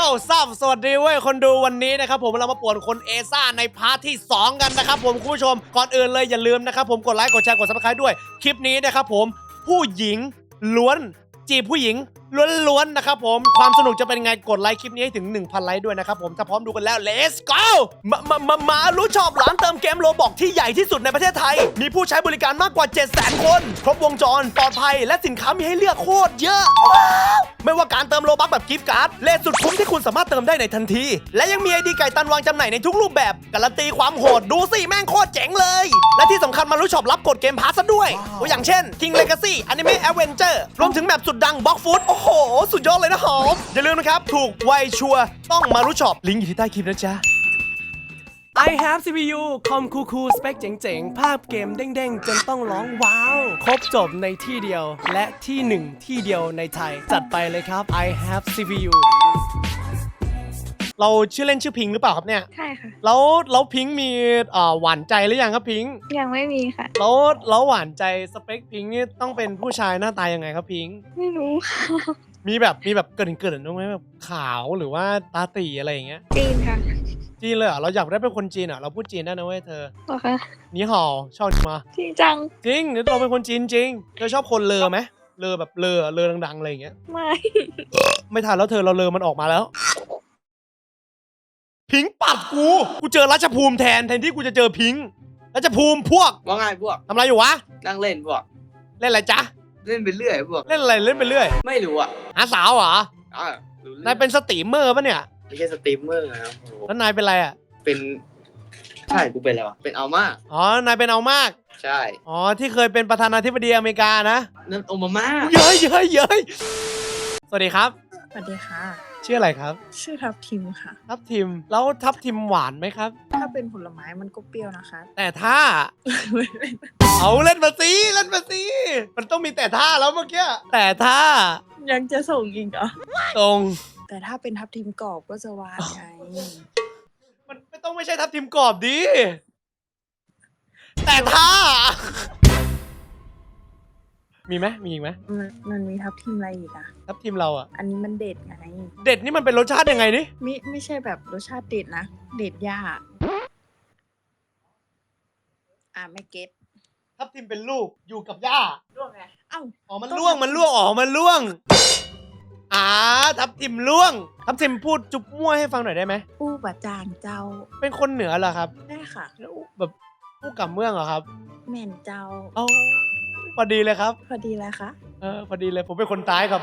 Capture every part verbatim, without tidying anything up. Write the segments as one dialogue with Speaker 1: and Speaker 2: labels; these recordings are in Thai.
Speaker 1: ซับสวัสดีเว้ยคนดูวันนี้นะครับผมเรามาป่วนคนเอซ่าในพาร์ทที่สองกันนะครับผมคุณผู้ชมก่อนอื่นเลยอย่าลืมนะครับผมกดไลค์กดแชร์กด ซับสไครบ์ ด้วยคลิปนี้นะครับผมผู้หญิงล้วนจีบผู้หญิงล้วนๆนะครับผมความสนุกจะเป็นไงกดไลค์คลิปนี้ให้ถึง หนึ่งพัน ไลค์ด้วยนะครับผมถ้าพร้อมดูกันแล้ว let's go มามามามารู้ชอบร้านเติมเกมโรบอกที่ใหญ่ที่สุดในประเทศไทยมีผู้ใช้บริการมากกว่า เจ็ดแสน คนครบวงจรปลอดภัยและสินค้ามีให้เลือกโคตรเยอะว้าวไม่ว่าการเติมโลบัคแบบกิฟต์การ์ดเลทสุดคุ้มที่คุณสามารถเติมได้ในทันทีและยังมีไอดีไก่ตันวางจำหน่ายในทุกรูปแบบการันตีความโหดดูสิแม่งโคตรเจ๋งเลยและที่สำคัญมารู้ชอบรับกดเกมพาสซะด้วยตัวอย่างเช่น King Legacy Anime Adventure รวมถึงแมปสุดดัง Blox Fruit โอ้โหสุดยอดเลยนะหอมอย่าลืมนะครับถูกไวชัวร์ต้องมารู้ชอบลิงก์อยู่ที่ใต้คลิปนะจ๊ะ I have ซี พี ยู คอมคูคูสเปคเจ๋งๆภาพเกมเด้งๆจนต้องร้องว้าวครบจบในที่เดียวและที่หนึ่งที่เดียวในไทยจัดไปเลยครับ I have ซี พี ยู เราชื่อเล่นชื่อพิงหรือเปล่าครับเนี่ย
Speaker 2: ใช่ค่ะ
Speaker 1: แล้วแล้วพิงมีเอ่อหวานใจหรือยังครับพิง
Speaker 2: ยังไม่มีค่ะ
Speaker 1: แล้วแล้วหวานใจสเปคพิงนี่ต้องเป็นผู้ชายหน้าตายังไงครับพิง
Speaker 2: ไม่รู้ค่ะ
Speaker 1: มีแบบมีแบบเกินเกินตรงไหมแบบขาวหรือว่าตาตีอะไรอย่างเงี้ย
Speaker 2: จีนค่ะ
Speaker 1: จีนเลยเหรอเราอยากได้เป็นคนจีนเหรอเราพูดจีนได้นะเว้ยเธอ
Speaker 2: หรอคะ
Speaker 1: นี่ห่อชอบมา
Speaker 2: จริงจัง
Speaker 1: จริงเราเป็นคนจีนจริงเธอชอบคนเลอไหมเลอแบบเลอเลอดังๆอะไรอย่างเงี้ย
Speaker 2: ไม่
Speaker 1: ไม่ทันแล้วเธอเราเลอมันออกมาแล้วพิงปัดกูกูเจอรัชภูมิแทนแทนที่กูจะเจอพิงรัชภูมิพวก
Speaker 3: ว่าไงพวก
Speaker 1: ทำอะไรอยู่วะ
Speaker 3: นั่งเล่นพวก
Speaker 1: เล่นอะไรจ๊ะ
Speaker 3: เล่นไปเรื่อยพวก
Speaker 1: เล่นอะไรเล่นไปเรื่อย
Speaker 3: ไม่รู้อ่ะ
Speaker 1: หาสาวเหรอ
Speaker 3: อ่
Speaker 1: นายเป็นสตรีมเมอร์ปะเนี่ย
Speaker 3: ไม่ใช่สตรีมเมอร์นะครับ
Speaker 1: แล้วนายเป็นอะไรอ่ะ
Speaker 3: เป็นใช่กูเป็นอะไรวะเป็นอัลม่า
Speaker 1: อ๋อนายเป็นเอามาก
Speaker 3: ใช่
Speaker 1: อ๋อที่เคยเป็นประธานาธิบดีอเมริกานะ
Speaker 3: นั่นโอบามา
Speaker 1: เย้ยเย้ยเย้ยสวัสดีครับ
Speaker 2: สวัสดีค่ะ
Speaker 1: ชื่ออะไรครับ
Speaker 2: ชื่อทับทิมค่ะ
Speaker 1: ทับทิมแล้วทับทิมหวานไหมครับ
Speaker 2: ถ้าเป็นผลไม้มันก็เปรี้ยวนะคะ
Speaker 1: แต่ถ้าเอาเล่นมาสิเล่นมาสิมันต้องมีแต่ท่าแล้วเมื่อกี้แต่ถ้า
Speaker 2: ยังจะส่งอีกเหรอ
Speaker 1: ตรง
Speaker 2: แต่ถ้าเป็นทับทิมกรอบก็จะหวานไง
Speaker 1: มันไม่ต้องไม่ใช่ทับทิมกรอบดิแต่ถ้ามีไหมมีอีกไหม
Speaker 2: มันมันมีทับทิมอะไรอีกอะ
Speaker 1: ทับทิมเราอ่ะ
Speaker 2: อันนี้มันเด็ดไง
Speaker 1: เด็ดนี่มันเป็นรสชาติยังไงนี่
Speaker 2: ไม่ไม่ใช่แบบรสชาติเด็ดนะเด็ดยากอ่ะไม่เก็ต
Speaker 1: ทับทิมเป็นลูกอยู่กับย่า
Speaker 2: ล่วงไงเอ้า
Speaker 1: อ๋อมันล่วงมันล่วงอ๋อมันล่วงอ่าทับทิมล่วงทับทิมพูดจุ๊บมั่วให้ฟังหน่อยได้ไหม
Speaker 2: อู้บะจางเจ้า
Speaker 1: เป็นคนเหนือเหรอครับ
Speaker 2: ได้ค่ะ
Speaker 1: แล้วแบบผู้กับเมืองเหรอครับ
Speaker 2: แม่นเจ้า
Speaker 1: อ๋อพอดีเลยครับ
Speaker 2: พอดีเลยค่ะ
Speaker 1: เออพอดีเลยผมเป็นคนใต้ครับ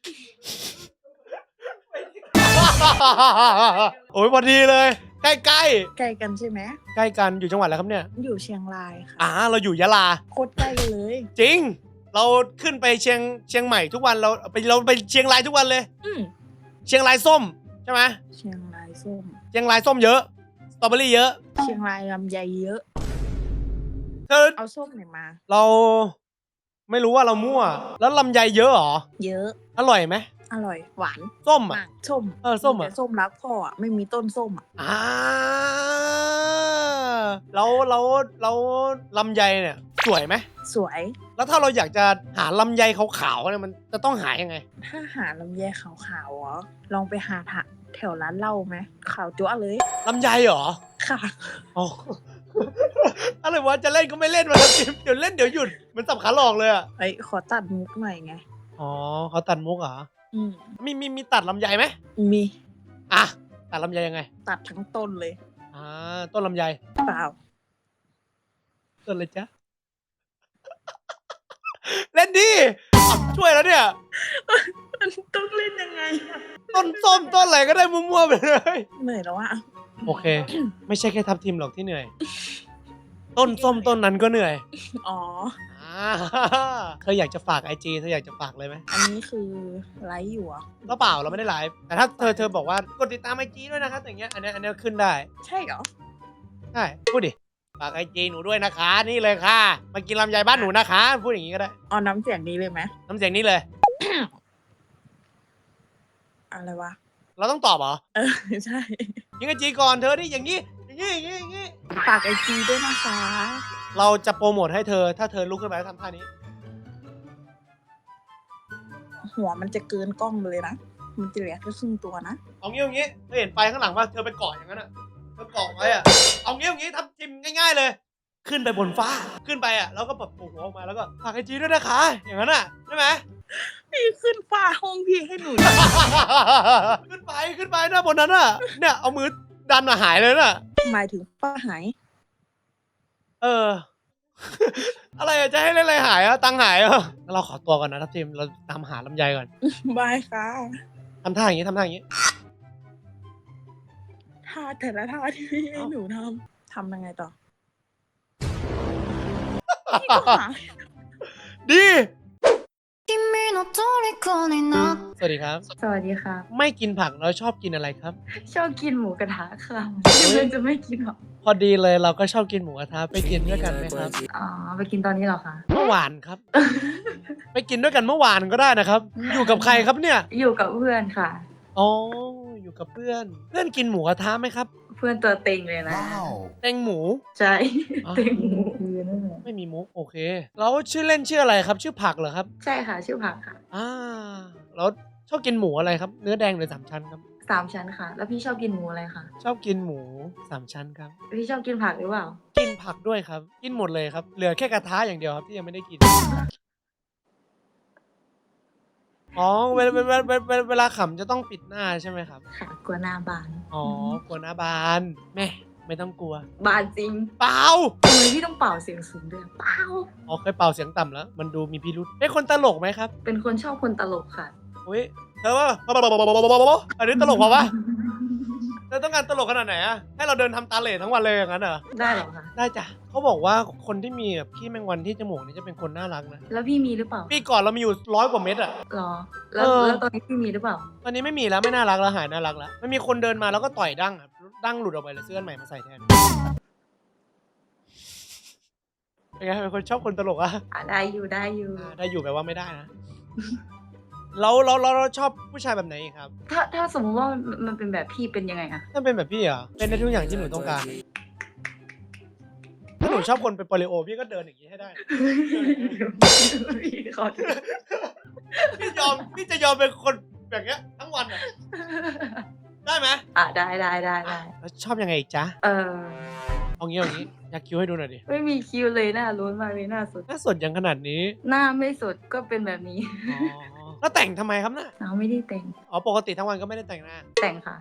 Speaker 1: โอ้ยพอดีเลยใกล้ใกล้
Speaker 2: ใกล้กันใช่ไหม
Speaker 1: ใกล้กันอยู่จังหวัดอะไรครับเนี่ย
Speaker 2: อยู่เชียงรายค่ะ
Speaker 1: อ่าเราอยู่ยะลา
Speaker 2: โคตรใกล้เลย
Speaker 1: จริงเราขึ้นไปเชียงเชียงใหม่ทุกวันเราไปเราไปเชียงรายทุกวันเลย
Speaker 2: อืม
Speaker 1: เชียงรายส้มใช่ไหม
Speaker 2: เชียงรายส้ม
Speaker 1: เชียงรายส้มเยอะสตรอเบอรี่เยอะ
Speaker 2: เชียงรายลำไยเยอะ
Speaker 1: เธอ
Speaker 2: เอาส้มไหนมา
Speaker 1: เราไม่รู้ว่าเรามั่วแล้วลำไยเยอะหรอ
Speaker 2: เยอะ
Speaker 1: อร่อยไหม
Speaker 2: อร่อยหวาน
Speaker 1: ส้มอ่ะ
Speaker 2: ส้ม
Speaker 1: เออส้มอ่ะ
Speaker 2: ส้มรักพ่ออ่ะไม่มีต้นส้มอ่ะ
Speaker 1: อ่าแล้วแล้วแล้วลำไยเนี่ยสวยไหม
Speaker 2: สวย
Speaker 1: แล้วถ้าเราอยากจะหาลำไยขาวๆเนี่ยมันจะต้องหายังไง
Speaker 2: ถ้าหาลำไยขาวๆเหรอลองไปหาแถวร้านเหล้าไหมขาวจั๊วเลย
Speaker 1: ลำไยเหรอ
Speaker 2: ค่ะ
Speaker 1: อ๋ออะไรวะจะเล่นก็ไม่เล่นมาแล้วเดี๋ยวเล่นเดี๋ยวหยุดมันสับขาหลอกเลยอ่ะ
Speaker 2: ไอ้ขอตัดมุกหน่อยไง
Speaker 1: อ๋อเขาตัดมุกเหรอ
Speaker 2: อืม
Speaker 1: มีมีมีตัดลำไยไหม
Speaker 2: มี
Speaker 1: อ่ะตัดลำไยยังไง
Speaker 2: ตัดทั้งต้นเลย
Speaker 1: อ่าต้นลำไย
Speaker 2: เปล่า
Speaker 1: ต้นเลยจ้ะเล่นดิช่วยแล้วเนี่ย
Speaker 2: มันต้องเล่นยังไง
Speaker 1: ต้นส้มต้นอะไรก็ได้มั่วๆไปเลย
Speaker 2: เหนื่อยแล้วอะ
Speaker 1: โอเคไม่ใช่แค่ทับทิมหรอกที่เหนื่อยต้นส้มต้นนั้นก็เหนื่อย
Speaker 2: อ๋อ
Speaker 1: เธออยากจะฝากไอจีเธออยากจะฝากเลยไหม
Speaker 2: อันนี้คือไลฟ์อยู่อ่ะ
Speaker 1: ก็เปล่าเราไม่ได้ไลฟ์แต่ถ้าเธอเธอบอกว่ากดติดตามไอจีด้วยนะครับอย่างเงี้ยอันนี้อันนี้ขึ้นได้
Speaker 2: ใช่เหรอ
Speaker 1: ใช่พูดดิฝากไอจีหนูด้วยนะคะนี่เลยค่ะมากินลำไยบ้านหนูนะคะพูดอย่างงี้ก็ได้
Speaker 2: อ๋อน้ำเสียงนี้เลยไหม
Speaker 1: น้ำเสียงนี้เลย
Speaker 2: อะไรวะ
Speaker 1: เราต้องตอบเหรอ
Speaker 2: เออใช่
Speaker 1: ยิงไอจีก่อนเธอดิอย่างงี้อย่างงี้อย่างงี้อย่างงี้
Speaker 2: ฝากไอจีด้วยนะคะ
Speaker 1: เราจะโปรโมทให้เธอถ้าเธอลุกขึ้นมาแล้วทำท่านี้
Speaker 2: หัวมันจะเกินกล้องเลยนะมันจะเหลือแค่ครึ่งตัวนะ
Speaker 1: เอางี้เอางี้เธอเห็นไปข้างหลังว่าเธอไปเกาะอย่างนั้นอ่ะเธอเกาะไว้อ่ะเอางี้เอางี้ทำจิมง่ายๆเลย ขึ้นไปบนฟ้าขึ้นไปอ่ะแล้วก็แบบโผล่หัวออกมาแล้วก็ฝากไอจีด้วยนะคะอย่างนั้นอ่ะใช่ไหม
Speaker 2: พี่ขึ้นฟ้าห้องพี่ให้หนู
Speaker 1: ขึ้นไปขึ้นไปนะบนนั้นอ่ะเนี่ยเอามือดันมาหายเลยน่ะ
Speaker 2: หมายถึงฟ้าหาย
Speaker 1: เออ อะไรอะจะให้เล่นอะไรหายอ่ะตังค์หายอ่ะงั้นเราขอตัวก่อนนะทัพทีมเราตามหาลำไยก่อน
Speaker 2: บายค่ะ
Speaker 1: ทำท่าอย่างนี้ทำท่าอย่างนี้
Speaker 2: ท่าแต่ละท่าที่พี่ให้หนูทำทำยังไงต่อพี่ก็หา
Speaker 1: ดี
Speaker 4: 君の虜になっ
Speaker 1: สวัสดีครับ
Speaker 5: สวัสดีค่ะ
Speaker 1: ไม่กินผักเราชอบกินอะไรครับ
Speaker 5: ชอบกินหมูกระทะค่ะเพื่อนจะไม่กินหรอ
Speaker 1: พอดีเลยเราก็ชอบกินหมูกระทะไปกินด้วยกันไหมครับ
Speaker 5: อ๋อไปกินตอนนี้เหรอคะ
Speaker 1: เมื่อวานครับ ไปกินด้วยกันเมื่อวานก็ได้นะครับ อยู่กับใครครับเนี่ย
Speaker 5: อยู่กับเพื่อนค่ะ
Speaker 1: อ๋ออยู่กับเพื่อน เพื่อนกินหมูกระทะไหมครับ
Speaker 5: เพื่อนตัวเต็งเลยนะ
Speaker 1: แตงหมู
Speaker 5: ใช่
Speaker 1: อ๋อ
Speaker 5: เต็งหมูคือนั่นแหละ
Speaker 1: ไม่มีมุกโอเคแล้วชื่อเล่นชื่ออะไรครับ ชื่อผักเหรอครับ
Speaker 5: ใช่ค่ะ ชื่อผักค่ะ
Speaker 1: อ่าแล้วชอบกินหมูอะไรครับ เนื้อแดงหรือสามชั้นครับ
Speaker 5: สามชั้นค่ะ แล้วพี่ชอบกินหมูอะไรคะ
Speaker 1: ชอบกินหมูสามชั้นครับ
Speaker 5: พี่ชอบกินผักหรือเปล่า
Speaker 1: กินผักด้วยครับ กินหมดเลยครับ เหลือแค่กระทะอย่างเดียวครับที่ยังไม่ได้กิน อ๋อเวลาเวลาเวลาเวลาเวลาขำจะต้องปิดหน้าใช่ไหมครับ
Speaker 5: ค่ะกลัวหน้าบาน
Speaker 1: อ๋อกลัวหน้าบานแม่ไม่ต้องกลัว
Speaker 5: บานจริง
Speaker 1: เปล่า
Speaker 5: ทำไมพี่ต้องเป่าเสียงสูงด้วยเปล่า
Speaker 1: อ๋อเคยเป่าเสียงต่ำแล้ว มันดูมีพิรุษเป็นคนตลกไหมครับ
Speaker 5: เป็นคนชอบคนตลกค่ะ
Speaker 1: อุ้ยเธอว่าอันนี้ตลกเปล่าวะเธอต้องการตลกขนาดไหนอะให้เราเดินทำตาเหล่ทั้งวันเลยอย่างนั้นเหรอ
Speaker 5: ได้เหรอคะ
Speaker 1: ได้จ้ะเขาบอกว่าคนที่มีแบบขี้แมงวันที่จมูกนี่จะเป็นคนน่ารักนะ
Speaker 5: แล้วพี่มีหรือเปล่า
Speaker 1: ปีก่อนเรามีอยู่ร้อยกว่าเม็ดอะ
Speaker 5: หรอ แล้ว
Speaker 1: เออ
Speaker 5: แล้วตอนนี้พี่มีหรือเปล่า
Speaker 1: ตอนนี้ไม่มีแล้วไม่น่ารักแล้วหายน่ารักแล้วมันมีคนเดินมาแล้วก็ต่อยดั้งอะดั้งหลุดออกไปเลยเสื้ออันใหม่มาใส่แทนเป็นไงเป็นคนชอบคนตลกอะ
Speaker 5: อ่ะได้อยู่ได้อยู่
Speaker 1: อ่าได้อยู่แปลว่าไม่ได้นะ เราเราเราเราชอบผู้ชายแบบไหนอีกครับ
Speaker 5: ถ้าถ้าสมมติว่ามันมันเป็นแบบพี่เป็นยังไงอะ
Speaker 1: ถ้าเป็นแบบพี่เหรอเป็นในทุกอย่างที่หนูต้องการถ้าหนูชอบคนเป็นโปลิโอพี่ก็เดินอย่างนี้ให้ได้
Speaker 5: พี่ขอโทษ
Speaker 1: พี่ยอมพี่จะยอมเป็นคนแบบเนี้ยทั้งวันอะได้ไหม
Speaker 5: อ่ะได้ได้ได้ได้
Speaker 1: แล้วชอบยังไงอีกจ๊ะ
Speaker 5: เออ
Speaker 1: เอางี้เอางี้อยากคิวให้ดูหน่อยดิ
Speaker 5: ไม่มีคิวเลยหน้าล้วนมากเลยหน้าสด
Speaker 1: น่าสดยังขนาดนี้
Speaker 5: หน้าไม่สดก็เป็นแบบนี้
Speaker 1: อ๋อแล้วแต่งทำไมครับน่ะ
Speaker 5: เราไม่ได้แต่ง
Speaker 1: อ๋อปกติทั้งวันก็ไม่ได้แต่งหน้า
Speaker 5: แต่งค่ะ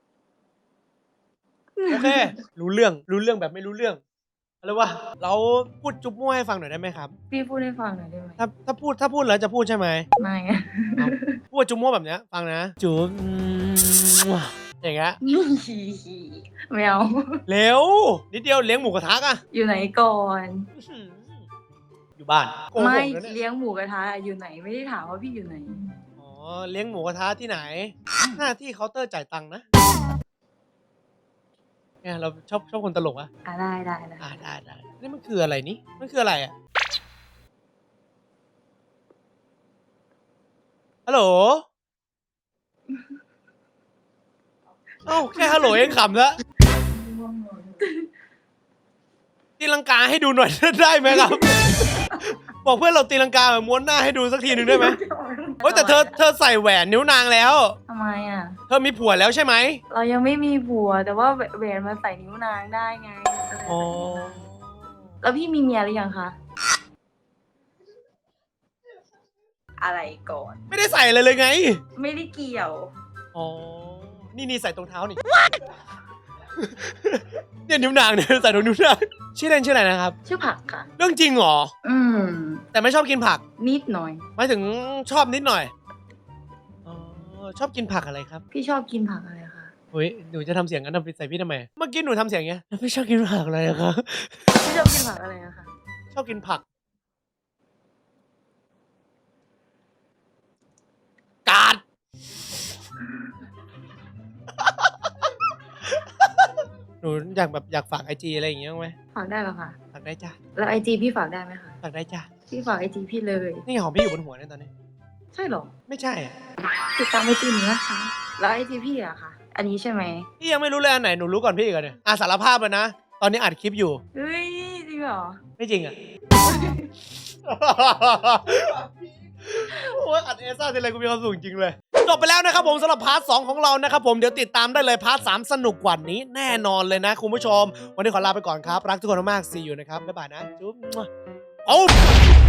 Speaker 1: โอเค รู้เรื่องรู้เรื่องแบบไม่รู้เรื่องอะไรวะเราพูดจุ๊บมั่วให้ฟังหน่อยได้ไหมครับ
Speaker 5: พี่พูดให้ฟังหน่อยได้ไหม
Speaker 1: ถ้าถ้าพูดถ้าพูดแล้วจะพูดใช่ไหม
Speaker 5: ไม่
Speaker 1: เอาพูดจุ๊บมั่วแบบเนี้ยฟังนะจุ๊บอย่างเงี้ย
Speaker 5: ไม่เอา
Speaker 1: เร็วนิดเดียวเลี้ยงหมูกระทะอะ
Speaker 5: อยู่ไหนก่อน
Speaker 1: อื้อหืออยู่บ้านโกหก
Speaker 5: ไม่
Speaker 1: นะเนี่ย
Speaker 5: เลี้ยงหมูกระทะอยู่ไหนไม่ได้ถามว่าพี่อยู่ไหน
Speaker 1: อ๋อเลี้ยงหมูกระทะที่ไหน หน้าที่เคาน์เตอร์จ่ายตังค์นะเนี่ยเราชอบชอบคนตลกอะ
Speaker 5: อ่ะได้ได้ได้
Speaker 1: อ่าได้ได้นี่มันคืออะไรนี่มันคืออะไรอะฮัลโหลเอ้าแค่ฮัลโหลเองขำแล้วตีลังกาให้ดูหน่อย ได้ไหมครับ บอกเพื่อนเราตีลังกาแบบม้วนหน้าให้ดูสักทีหนึ่งได้ไหมเฮ้ยแต่เธอเธอใส่แหวนนิ้วนางแล้ว
Speaker 5: ทำไมอ่ะ
Speaker 1: เธอมีผัวแล้วใช่ไหม
Speaker 5: เรายังไม่มีผัว แต่ว่าแหวนมาใส่นิ้วนางได้ไง
Speaker 1: อ๋อ
Speaker 5: แล้วพี่มีเมียหรือยังคะ อะไรก่อน
Speaker 1: ไม่ได้ใส่เลยเลยไง
Speaker 5: ไม่ได้เกี่ยว
Speaker 1: อ๋อ นี่นี่ใส่ตรงเท้านี่ เนี่ยนิ้วนางเนี่ยใส่ตรงนิ้วนางชื่อเล่นชื่ออะไรนะครับ
Speaker 5: ชื่อผักค่ะ
Speaker 1: เรื่องจริงเหรอ
Speaker 5: อืม
Speaker 1: แต่ไม่ชอบกินผัก
Speaker 5: นิดหน่อย
Speaker 1: หมายถึงชอบนิดหน่อย อ๋อ ชอบกินผักอะไรครับ
Speaker 5: พี่ชอบกินผักอะไรคะ
Speaker 1: เฮ้ย หนูจะทำเสียงงั้นทำใส่พี่ทำไม เมื่อกี้หนูทำเสียงอย่างเงี้ยไม่ชอบกินผักเลยอะครับ
Speaker 5: พี่ชอบกินผักอะไรอะคะ
Speaker 1: ชอบกินผัก กาด หนูอยากแบบอยากฝากไอจีอะไรอย่างเงี้ยบ้างไหม
Speaker 5: ฝากได้เหรอคะ
Speaker 1: ฝากได้จ้ะ
Speaker 5: แล้วไอจีพี่ฝากได้ไหมคะ
Speaker 1: ฝากได้จ้ะ
Speaker 5: พี่ฝากไอจีพี่เลย
Speaker 1: นี่ของพี่อยู่บนหัวเนี่ยตอนนี้
Speaker 5: ใช่เหรอ
Speaker 1: ไม่ใช่อะ
Speaker 5: ติดตามไอจีหนูนะคะ แล้วไอจีพี่อะคะอันนี้ใช่ไหม
Speaker 1: พี่ยังไม่รู้เลยอันไหนหนูรู้ก่อนพี่อีกอะเนี่ยอ่ะสารภาพเลยนะ ตอนนี้อัดคลิปอยู่
Speaker 5: เฮ้ยจริงเหรอ
Speaker 1: ไม่จริงอ่ะ โอ้ยอัดเอซ่าทีไรกูมีความสุขจริงเลยจบไปแล้วนะครับผมสำหรับพาร์ทสองของเรานะครับผมเดี๋ยวติดตามได้เลยพาร์ทสามสนุกกว่านี้แน่นอนเลยนะคุณผู้ชมวันนี้ขอลาไปก่อนครับรักทุกคนมากๆ see you นะครับบ๊ายบายนะจุ๊บโอ้